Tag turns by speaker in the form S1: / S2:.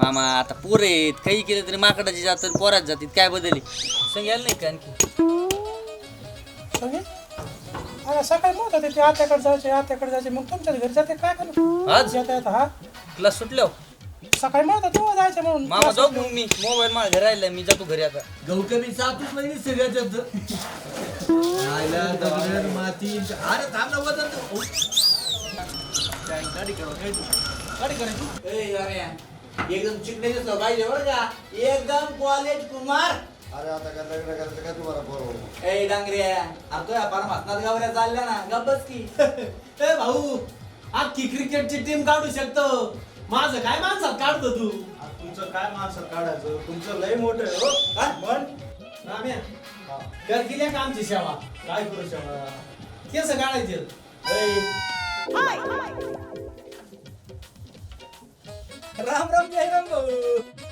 S1: मामा आता पोर आहेत, काही केलं तरी माकडाची जातात पोरात जातात, काय बदलली संग यायला नाही का आणखी?
S2: सगळे अरे सकाळी म्हणत होते ते आत्याकडे जायचे मग तुमच्या घरी जाते काय करू
S1: आज
S2: येता येता हा
S1: क्लास सुटल्यावर
S2: सकाळी म्हणत होते तेव्हा जायचं म्हणून
S1: मामा जाऊ मग मी मोबाईल माझ्या घरी राहिलाय, मी जातो घरी आता.
S3: गवकरी सातूच नाही सगळ्यात आयला दगड माती अरे थांब ना वजन गाडी
S4: एकदम चिकने दिसलं पाहिजे बरं का एकदम कॉलेज कुमार.
S5: अरे आता काय लग्न करायचं काय तुम्हाला बरोबर
S4: ए डांगऱ्या आता या परमात्मात गावऱ्या चालल्या ना गप्पच की.
S3: ए भाऊ अख्खी क्रिकेटची टीम काढू शकतो, माझं काय माणसात काढतो तू?
S5: तुमचं काय माणसं काढायचं तुमचं लय मोठं आहे हो
S3: हा?
S5: पण
S3: राम्या कर केल्या का आमची सेवा?
S5: काय करू शकता
S3: केस काढायचे
S4: राम राम जय राम भाऊ.